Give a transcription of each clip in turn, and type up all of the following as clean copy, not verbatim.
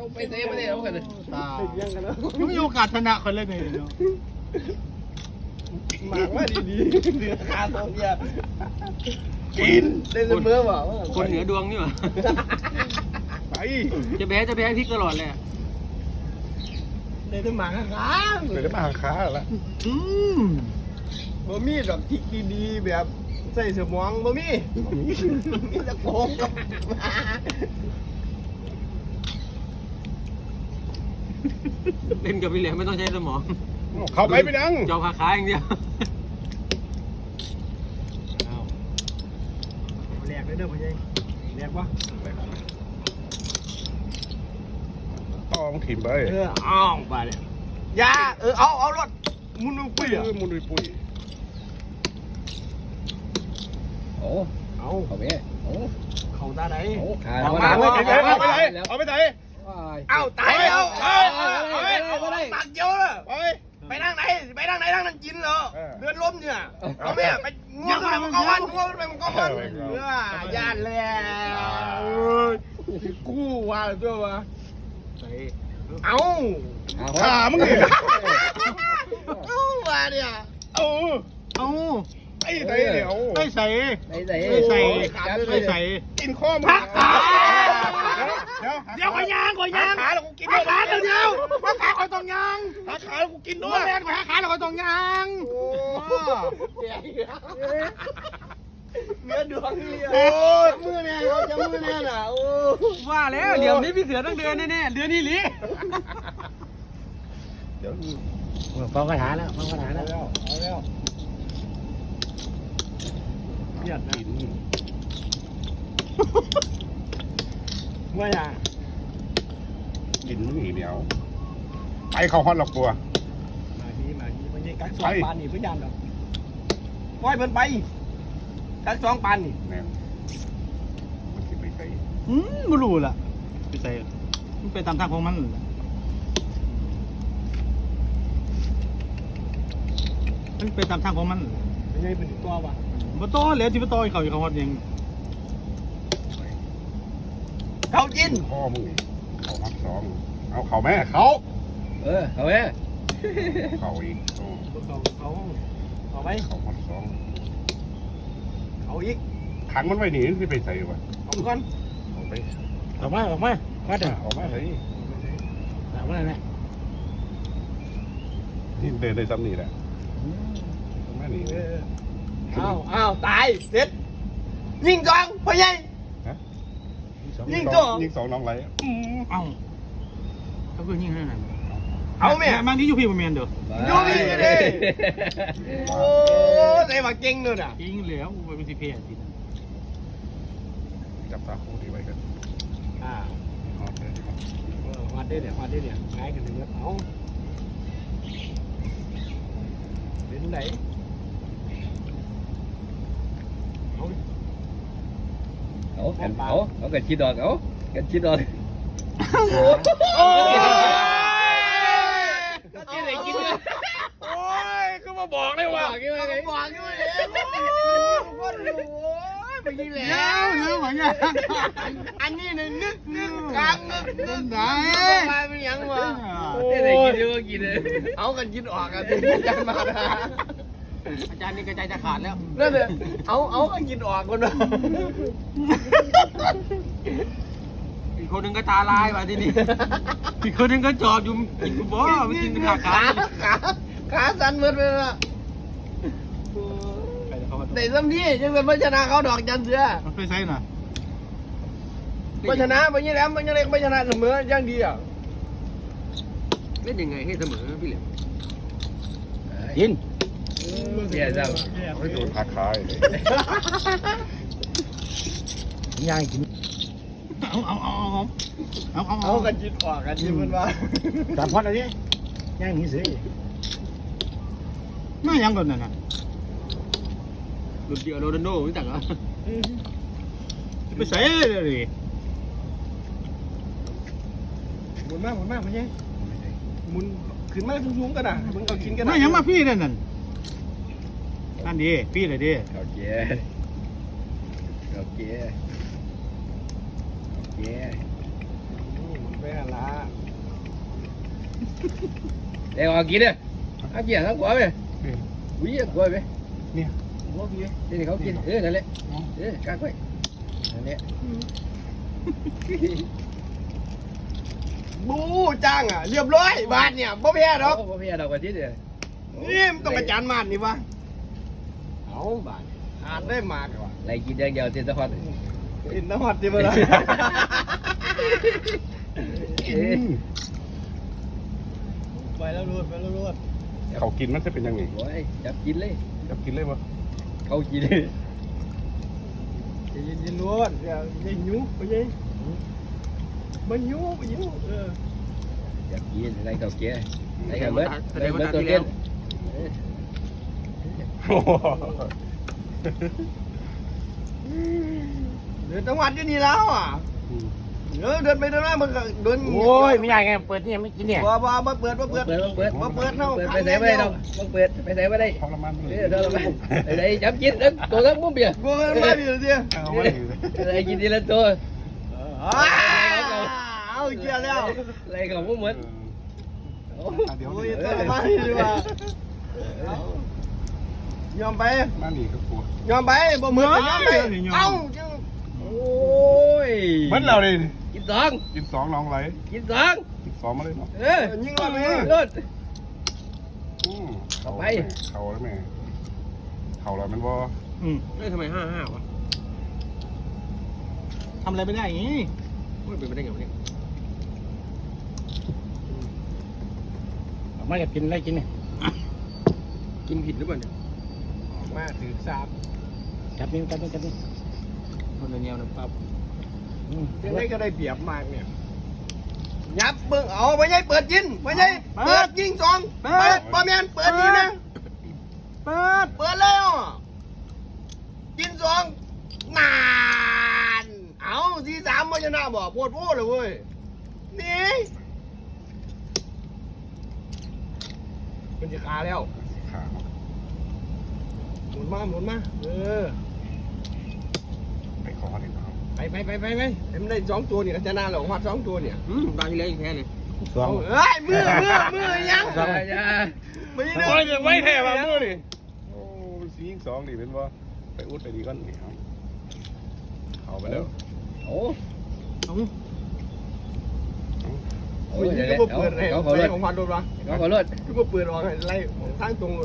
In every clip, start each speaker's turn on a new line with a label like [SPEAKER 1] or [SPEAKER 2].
[SPEAKER 1] เขาไปเซฟไม่ได้แล้วกันเลย
[SPEAKER 2] ยังกันแล้ว
[SPEAKER 3] ยังมีโอกาสชนะคนเลยไงเนาะ
[SPEAKER 2] หมากว่าดีๆเหลือคาตัวเนี่ยกินเล่นเมื่อเปล่า
[SPEAKER 4] คนเหนือดวงนี่หว่า
[SPEAKER 2] ไป
[SPEAKER 4] จะแพ้พริกตลอดเลย
[SPEAKER 2] เล่นหมากค้าง
[SPEAKER 1] เดี๋ยวจะมาหาค้าแล้ว
[SPEAKER 2] บ่มีดอกทิกดีๆแบบใส่สมองบ่มีมีแต่โกงกับ
[SPEAKER 4] เล่นกับพี่เหลียมไม่ต้องใช้สมอง
[SPEAKER 1] เข้าไปนั่ง
[SPEAKER 4] จอขาอย่างเดียว
[SPEAKER 2] แหลกเลยเด้อพ่อใหญ่แหลกวะ
[SPEAKER 1] ต้องถิ่มไป
[SPEAKER 2] อ้าวไปเลยยาเอารถมุนปุ้ยอ่ะ
[SPEAKER 1] มุนปุยโอ้
[SPEAKER 2] เอา
[SPEAKER 1] เข้าไปโอ้
[SPEAKER 2] เขาตาไหน
[SPEAKER 1] โอ้ขา
[SPEAKER 2] เอามาเอาไปไหนเอาไปไหน
[SPEAKER 1] เอาตายแล้ว
[SPEAKER 2] ตักเยอะเลย
[SPEAKER 1] ไป
[SPEAKER 2] ไปนั่งไหนนั่งนั่งกินเหรอเดือนล้มเนี่ยเอาเนี่ยไปง่วงไปมันก็วันย่านเลยกู้ว่าตัววะเอา
[SPEAKER 1] ขามึงเนี่ย
[SPEAKER 2] กู้ว่าเนี่ย
[SPEAKER 1] เอา
[SPEAKER 3] เอา
[SPEAKER 1] ไอ้ไหนเดี๋ยว
[SPEAKER 3] ไม่ใส่
[SPEAKER 1] ไอ้ไหน
[SPEAKER 3] ไม่ใส่ไม่ใส่
[SPEAKER 1] กินข้อมึงเดี๋ยว
[SPEAKER 3] ขอยาง
[SPEAKER 1] ขาแล้วกูกิน
[SPEAKER 3] ขาเดียวขาคอยตรงยาง
[SPEAKER 1] ขาแล้วกูกินด้วย
[SPEAKER 3] แม่นขาเราคอยตรงยาง
[SPEAKER 2] เนื้อดวงโอ้มือแน่เขาจะมือแน่น่ะโอ้
[SPEAKER 4] ว่าแล้วเหลี่ยมนี้พี่เสือต้องเดินแน่ๆเดือนนี้ลิ
[SPEAKER 1] เดี๋ยว
[SPEAKER 3] ฟังคาถาแล้วฟังคาถาแล้ว
[SPEAKER 2] เอาแล้วเบียดนะ
[SPEAKER 1] กิน
[SPEAKER 2] ว่าอย่าง
[SPEAKER 1] กินมึงอีเดียวไปเข้าฮอตหรอกตัว
[SPEAKER 2] มาดีมันยังกักสองปานนี่เพื่อนยันหรอกปล่อยมันไปกักสองปานนี่
[SPEAKER 1] แน่มันสิไปใส่
[SPEAKER 3] ไม่รู้ล่ะไม่ใส่มันเป็นตามทางของมันมันเป็นตามทางของมัน
[SPEAKER 2] ไม่ใช่เป็นตัววะ
[SPEAKER 3] มาโตแล้วที่มาโตเขาอยู่เขาฮอดยัง
[SPEAKER 2] เขากิน
[SPEAKER 1] ข้อมึงนี่เขาฮอตสองเอาเขาแม่เขา
[SPEAKER 4] เอาแม่
[SPEAKER 1] เขาอีก
[SPEAKER 2] เขาไป
[SPEAKER 1] เขาฮอตสอง
[SPEAKER 2] เขาอีก
[SPEAKER 1] ขังมันไว้หนีที่ไปใส่วะ
[SPEAKER 2] เอาก่อน
[SPEAKER 1] เอาไป
[SPEAKER 3] ออกมาว่าเด้อ
[SPEAKER 1] ออกมาเลย
[SPEAKER 3] ออกมาเลยนะ
[SPEAKER 1] นี่เดินได้ซ้ำนี่แหละแม่หนี
[SPEAKER 2] อ้าวตายเด็ดยิงจองพ่อใหญ่ ยิงตัว
[SPEAKER 1] ยิงสองน้องไร
[SPEAKER 3] เอ้าเขาคือยิงให้นั่น
[SPEAKER 2] เอาแม่
[SPEAKER 3] บางทีอยู่พี่บ่แม่นเด้อ
[SPEAKER 2] อยู่นี่ดิโอ้ใส่มาเก่งเลยน่ะ
[SPEAKER 3] ยิงแล้วไปเป็นสิเพจที
[SPEAKER 1] จับตาคู่ดีไว้กัน
[SPEAKER 2] วัดได้เนี่ยง่ายกันเลยเอาเป็นไหน
[SPEAKER 4] เอากันชิดดอกกันชิดดอก
[SPEAKER 2] โอ้ย
[SPEAKER 4] กินอะไรกินเนี่ย
[SPEAKER 1] โอ้ยก็มาบอกเลยว่า
[SPEAKER 2] บอกด้วยคนรู้ไปยิงแล้ว
[SPEAKER 3] เรื่องของยัง
[SPEAKER 2] อันนี้นึกกลางนึก
[SPEAKER 3] ไหน
[SPEAKER 2] ไปเป็นยังวะ
[SPEAKER 4] กินอะไรกินเยอะกินเลย
[SPEAKER 2] เอากันยินออกกันดิยันมานะ
[SPEAKER 4] อาจารย์นี่กระจายจะขาดแล้ว
[SPEAKER 2] นั่นเลยเอากันยินออกคนวะ
[SPEAKER 4] อีกคนนึงก็ตาลายว่ะที่นี่อีกคนนึงก็จอบอยู่กินบ่มันกิน
[SPEAKER 2] ขาสั่นหมดเลยล่ะแต่ซ้ำที่ยังเป็นพัชนะเขาดอกจันเสือ
[SPEAKER 3] มันไปใส่น่ะ
[SPEAKER 2] พัชนะไปยี่แหลมไปยี่เล็กพัชนะเสมอยังดีอ่ะ
[SPEAKER 4] เล่นยังไงให้เสมอพี่เหลี่ยม
[SPEAKER 3] กิน
[SPEAKER 4] เสียจัง
[SPEAKER 1] ไม่โดนขาคาย
[SPEAKER 3] ยายกินเอา
[SPEAKER 2] กันยินออกกันยินมันว่า
[SPEAKER 3] ตามพอดอะไรย่างนี้สิมายังก่อนน่ะ
[SPEAKER 4] หลุดเดียวโรนัลโดรู้จักเหรอ
[SPEAKER 3] ไปใส่เลย
[SPEAKER 2] หมุนมากมันยังหมุนขึ้นมาสูงๆกันอ่ะมึงเอากินกัน
[SPEAKER 3] มายังมาพี่นั่นนั่นดีพี่เลยดิ
[SPEAKER 4] โอเคโอเคโอเค
[SPEAKER 2] ไปหาละ
[SPEAKER 4] เดี๋ยวเอากินเนี่ยเอากินทั้งหัวไปวิ่งหัวไป
[SPEAKER 1] เนี่ย
[SPEAKER 4] หัวพี่นี่เขากินนั่นแหละกางไว้นั่นแหละ
[SPEAKER 2] บูจ้างอ่ะเรียบร้อยบาทเนี่ยบ่แพ้ดอก
[SPEAKER 4] พ่อพี่เรากว่าที่เดียว
[SPEAKER 2] นี่มันต้องอาจารย์มานนี่วะเอาบาทขาดได้มากว่ะ
[SPEAKER 4] ไรกินอย่างเดียวเต็มตะพัน
[SPEAKER 2] กินน้ำหอดดีบ่ล่ะ ไปแล้วรูดไปแล้วรูด
[SPEAKER 1] เขากินมันจะเป็นยังไง
[SPEAKER 4] โอ้ยจับกินเลย
[SPEAKER 1] จะกินเลยบ่
[SPEAKER 4] เขากินเลย
[SPEAKER 2] จะยินรูดอย่าหิวไปยิงมันหิวไปหิว
[SPEAKER 4] จับกินอะไรเขาเกี้ยอะไรเขาเบิดอะไรเบิดตัวเตี้ย
[SPEAKER 2] เดินจังหวัดอยู่นี่แล้วอ่ะเดินไปเดินมามันก็เดิน
[SPEAKER 3] โอ้ยไม่ได้ไงเปิดนี่ไม่กินเนี่ย
[SPEAKER 2] บ่เปิดเนาะ
[SPEAKER 4] ไปไหนไม่ได้ต้องเปิดไปไหนไม่ได้
[SPEAKER 1] ทรมาน
[SPEAKER 4] เดินไปไหนจับกินตัวทั้งมุ้งเบียร์
[SPEAKER 2] กูไม่ดีเดียว
[SPEAKER 4] อะไรกินทีละตัว
[SPEAKER 2] เอาเกี่ยวแล้ว
[SPEAKER 4] อะไรของมุ้งเหมือน
[SPEAKER 1] เดี๋ยว
[SPEAKER 2] โอ้ยตัวมาดีว่ะยอมไป
[SPEAKER 1] มาหนีกับกู
[SPEAKER 2] ยอมไปบ่เหมือนยอมไปเอ้า
[SPEAKER 4] โอ้ย
[SPEAKER 1] เหมือนเราเลย
[SPEAKER 4] กินสอง
[SPEAKER 1] กินสองลองไหล
[SPEAKER 4] กินสอง
[SPEAKER 1] กินสองมาเลยเนาะ
[SPEAKER 2] ยิงรอดไป
[SPEAKER 4] รถ
[SPEAKER 1] เขาแล้วแม่เขาแล้วมันบ่
[SPEAKER 4] ทำไม5-5วะ
[SPEAKER 3] ทำอะไรไม่ได้อย่างนี้
[SPEAKER 4] ไม่เป็นไปได้ไงวะเนี่ย
[SPEAKER 3] ไม่อยากกินอะไรกินเนี่ย
[SPEAKER 4] กินผิดหรือเปล่าเนี่ย
[SPEAKER 2] มาถือสาม
[SPEAKER 3] จับนี่จับนี่จับนี่
[SPEAKER 4] คนละแนวนะปั๊บ
[SPEAKER 2] ยังไงก็ได้เปรียบมากเนี่ยยับเบิ่งเอาไปยัยเปิดยิงไปยัยเปิดยิงสองเปิดบ่แม่นเปิดยิงนะ
[SPEAKER 3] เปิด
[SPEAKER 2] เปิดแล้วยิงสองนานเอาที่สามมันชนะบ่ปวดโว้เลยเว้ยนี่มันจะขาแล้ว
[SPEAKER 1] ขา
[SPEAKER 2] หมุนมาเออ
[SPEAKER 1] ไปคอเด็กเขา
[SPEAKER 2] ไปมันได้สองตัวนี่ก็ชนะแล้ววัดสองตัวเนี่ย
[SPEAKER 4] ตายเลยแค่เลย
[SPEAKER 1] สอง
[SPEAKER 2] เอ้ยมือยัง
[SPEAKER 4] อย่า
[SPEAKER 2] ไม่ได้
[SPEAKER 1] โอ้ยไว้แท้มามือดิโอ้สีสองดิเป็นว่าไปอุดไปดีก่อนนี่เอาไปแล้ว
[SPEAKER 4] โอ้
[SPEAKER 2] มันยิงก็เปิดเลย
[SPEAKER 4] เขาขอรถ
[SPEAKER 2] ของพันโดนวะ
[SPEAKER 4] เขาขอรถ
[SPEAKER 2] ก็เปิดออกไล่ทางตรงหมด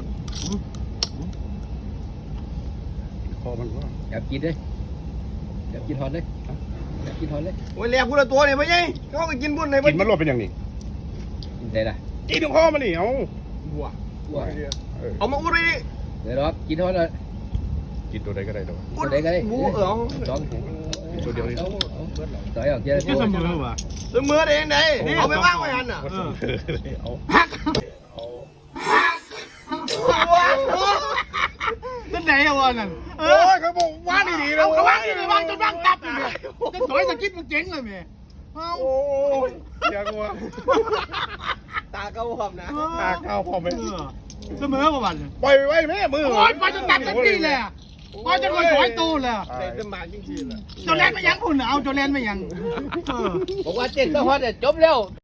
[SPEAKER 1] คอมันว่า
[SPEAKER 4] จับกินเลยจับกินทอนเลยจับกินทอนเลย
[SPEAKER 2] โอ้ยแหลกกูละตัวเนี่ยไม่ใช่เขาไปกินบุญใน
[SPEAKER 1] กินมันรวดเป็นอย่างนี้
[SPEAKER 4] กินได้ละ
[SPEAKER 1] กินถึงคอมันนี่เอา
[SPEAKER 2] บัว
[SPEAKER 4] ว้า
[SPEAKER 2] เอามาอุดเลย
[SPEAKER 4] เดี๋ยวรอกินทอนเลย
[SPEAKER 1] กินตัวใดก็ได้ตัว
[SPEAKER 2] อุด
[SPEAKER 4] ได้ก็ได้
[SPEAKER 2] บัว
[SPEAKER 4] สอง
[SPEAKER 1] ตัวเดียวนี่
[SPEAKER 4] ต่อยออกเจอ
[SPEAKER 3] แค่เสมอว่ะ
[SPEAKER 2] เสมอเองไหนเอาไปว่างไว้หันอ่ะ
[SPEAKER 1] เอา
[SPEAKER 3] นั่นไหนอะวะนั่น
[SPEAKER 1] โอ้ยเขาบอกว่าดีๆแล้ว
[SPEAKER 3] เขาวางอยู่ในวางจนวางตับเลยจะถอยสกิดมันเจ๊งเลยแม่เอา
[SPEAKER 1] โอ้ยอยากว่า
[SPEAKER 2] ตาเก้าหอมนะ
[SPEAKER 1] ตาข้าวพอไหม
[SPEAKER 3] เสมอประวัน
[SPEAKER 1] ปล่อยไว้แม่มือ
[SPEAKER 3] โอ้ยไปจนตัดกันที่เลยไปจนถอยตูเลย
[SPEAKER 2] ใส่เต็มบานจริงๆเลย
[SPEAKER 3] โจแลนไม่ยังคุณเอาโจแลนไม่ยัง
[SPEAKER 4] บอกว่าเจ็ดก็ฮอตจบแล้ว